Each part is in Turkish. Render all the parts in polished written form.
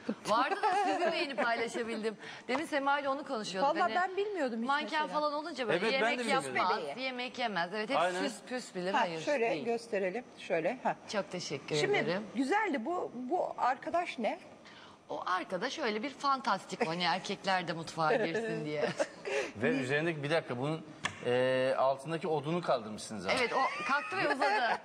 Vardı da sizinle yeni paylaşabildim. Demin Sema ile onu konuşuyorduk. Vallahi ben bilmiyordum hiç Manken mesela. falan olunca böyle Evet, ben de yemek bilmiyordum. yapmaz, yemek yemez. Evet, hep Aynen. süs püs bilir. Ha, Hayır şöyle değil. gösterelim. Şöyle. Ha. Çok teşekkür Şimdi ederim. güzeldi bu arkadaş ne? O arkada şöyle bir fantastik hani erkekler de mutfağa girsin diye. Ve üzerindeki bir dakika bunun altındaki odunu kaldırmışsınız abi. Evet, o kalktı ve uzadı.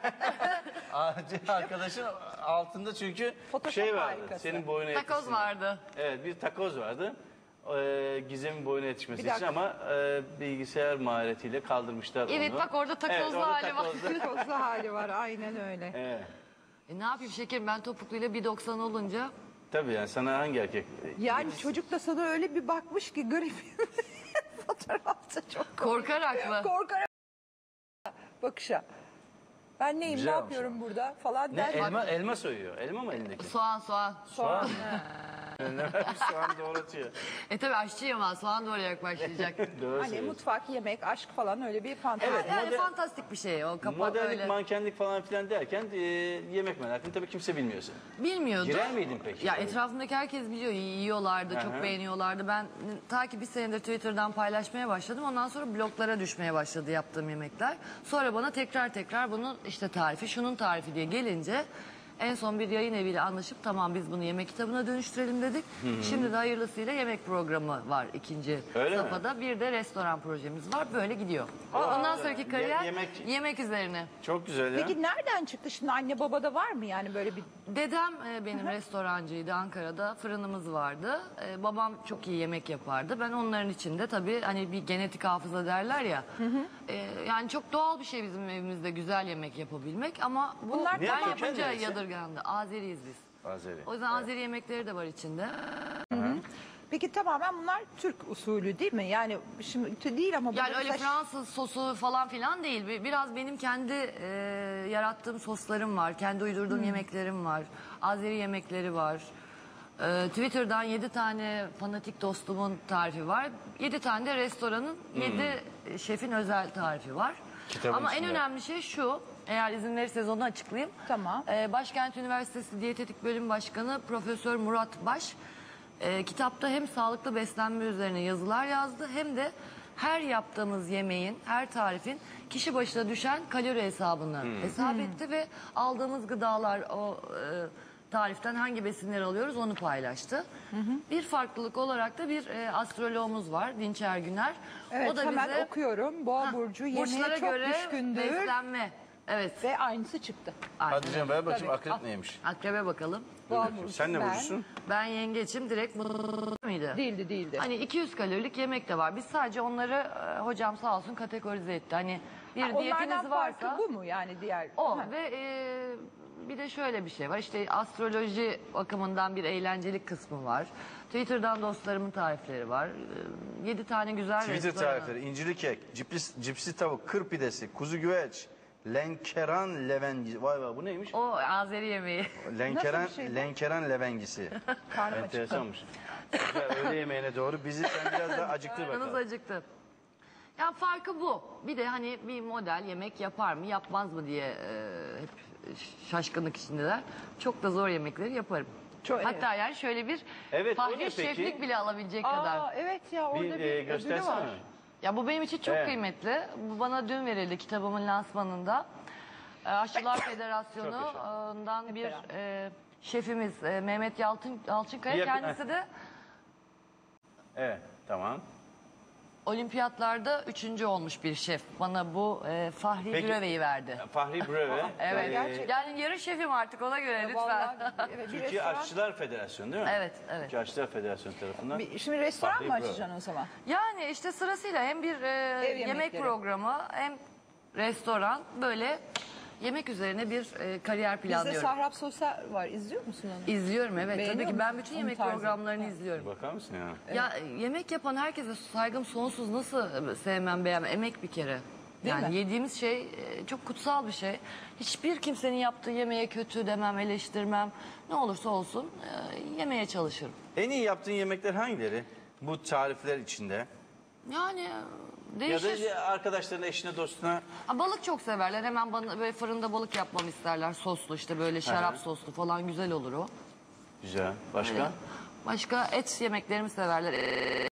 Arkadaşın altında çünkü Photoshop şey vardı. harikası. Senin boyuna Takoz yetişsin. vardı. Evet, bir takoz vardı. Gizem'in boyuna yetişmesi Bir için dakika. ama bilgisayar maharetiyle kaldırmışlar Evet, onu. bak orada takozlu orada hali var. takozlu. Kozlu hali var aynen öyle. Evet. Ne yapayım şekerim, ben topukluyla 1.90 olunca. Tabii yani sana hangi erkek? Yani çocuk da sana öyle bir bakmış ki garip. Fotoğrafta çok Korkarak mı? korkarak bakışa. Ben neyim Güzel ne olmuş yapıyorum burada falan Ne der. elma soyuyor. Elma mı elindeki? Soğan. Soğan. Soğan doğratıyor. Tabii aşçıyım ama soğan doğrayarak başlayacak. Doğru Hani söylüyorsun. mutfak, yemek, aşk falan öyle bir fantezi. Evet. Yani Model- fantastik bir şey o kapak Modellik, öyle. mankenlik falan filan derken yemek merakını tabii kimse bilmiyorsun. Bilmiyordu. Girer miydin peki? Ya etrafımdaki herkes biliyor, yiyorlardı, çok Aha. beğeniyorlardı. Ben ta ki bir senedir Twitter'dan paylaşmaya başladım. Ondan sonra bloglara düşmeye başladı yaptığım yemekler. Sonra bana tekrar bunun işte tarifi, şunun tarifi diye gelince en son bir yayın eviyle anlaşıp tamam biz bunu yemek kitabına dönüştürelim dedik. Şimdi de hayırlısıyla yemek programı var ikinci Öyle mi? safhada. Bir de restoran projemiz var. Böyle gidiyor. Ondan sonraki kariyer yemek üzerine. Çok güzel ya. Peki nereden çıktı şimdi anne babada var mı yani böyle bir... Dedem benim restorancıydı Ankara'da, fırınımız vardı. Babam çok iyi yemek yapardı. Ben onların içinde tabii hani bir genetik hafıza derler ya. Yani çok doğal bir şey bizim evimizde güzel yemek yapabilmek ama bu Bunlar ben köken yapınca neresi? yadırgandı. Azeriyiz biz. Azeri. O yüzden Azeri yemekleri de var içinde. Peki tamamen bunlar Türk usulü değil mi? Yani şimdi değil ama... Yani burada öyle mesela- Fransız sosu falan filan değil. Biraz benim kendi yarattığım soslarım var. Kendi uydurduğum yemeklerim var. Azeri yemekleri var. Twitter'dan 7 tane fanatik dostumun tarifi var. 7 tane de restoranın 7 şefin özel tarifi var. Kitabın Ama en içinde. önemli şey şu. Eğer izin verirseniz onu açıklayayım. Tamam. Başkent Üniversitesi Diyetetik Bölüm Başkanı Profesör Murat Baş kitapta hem sağlıklı beslenme üzerine yazılar yazdı hem de her yaptığımız yemeğin, her tarifin kişi başına düşen kalori hesabını hesap etti ve aldığımız gıdalar o tariften hangi besinleri alıyoruz onu paylaştı. Bir farklılık olarak da bir astroloğumuz var Dinç Ergüner. Evet o da hemen bize okuyorum. Boğa burcu yemeğe burçlara çok göre düşkündür. beslenme. Evet. Ve aynısı çıktı. Aynen. Hadi canım ver bakayım Tabii. akrep neymiş? Akrebe bakalım. Boğa burcu. Sen ne ben- burcusun? Ben yengeçim direkt mıydı? Değildi. Hani 200 kalorilik yemek de var. Biz sadece onları hocam sağ olsun kategorize etti. Hani bir Onlardan diyetiniz varsa farkı bu mu yani diğer? o Ha. ve bir de şöyle bir şey var. İşte astroloji bakımından bir eğlencelik kısmı var. Twitter'dan dostlarımın tarifleri var. 7 tane güzel Twitter restoran. tarifleri, incirli kek, cipsi tavuk, kır pidesi, kuzu güveç, lenkeran levengisi. Vay vay bu neymiş? O Azeri yemeği. Lenkeran, Nasıl bir şey bu? lenkeran levengisi. Karnım acıktı. Enteresanmış. Güzel, öğle yemeğine doğru bizi sen biraz daha acıktır Karnınız bakalım. acıktı. Ya farkı bu. Bir de hani bir model yemek yapar mı yapmaz mı diye hep şaşkınlık içindeler. Çok da zor yemekleri yaparım. Çok- Hatta yani şöyle bir Evet, o ne fahri peki? şeflik bile alabilecek kadar. Aa evet ya orada Bir bir ödülü göstersene. var. Ya bu benim için çok Evet. kıymetli. Bu bana dün verildi kitabımın lansmanında. Aşçılar Federasyonu'ndan bir şefimiz Mehmet Yalçınkaya. Yakın- Kendisi de Evet, tamam. olimpiyatlarda 3. olmuş bir şef. Bana bu Fahri Peki- Büreve'yi verdi. Fahri Breve. Evet. gerçekten. Yani yarı şefim artık ona göre lütfen. Vallahi, evet, bir Türkiye restoran. Aşçılar Federasyonu değil mi? Evet, evet. Türkiye Aşçılar Federasyonu tarafından. Şimdi restoran Fahri mı Breve. açacaksın o zaman? Yani işte sırasıyla hem bir yemek yemekleri. programı hem restoran böyle yemek üzerine bir kariyer Bizde planlıyorum. Sahrap Sosa var. İzliyor musun onu? İzliyorum evet. Beğeniyor Tabii ki ben musun bütün onun yemek tarzını? programlarını izliyorum. Bakar mısın ya? Ya yemek yapan herkese saygım sonsuz. Nasıl sevmem beğenmem. Emek bir kere. Değil Yani mi? yediğimiz şey çok kutsal bir şey. Hiçbir kimsenin yaptığı yemeğe kötü demem, eleştirmem. Ne olursa olsun yemeye çalışırım. En iyi yaptığın yemekler hangileri? Bu tarifler içinde. Yani Ya değişir. da arkadaşlarına, eşine, dostuna. Ha, balık çok severler. Hemen bana böyle fırında balık yapmamı isterler. Soslu işte böyle şarap Hı hı. soslu falan güzel olur o. Güzel. Başka? Başka et yemeklerimi severler.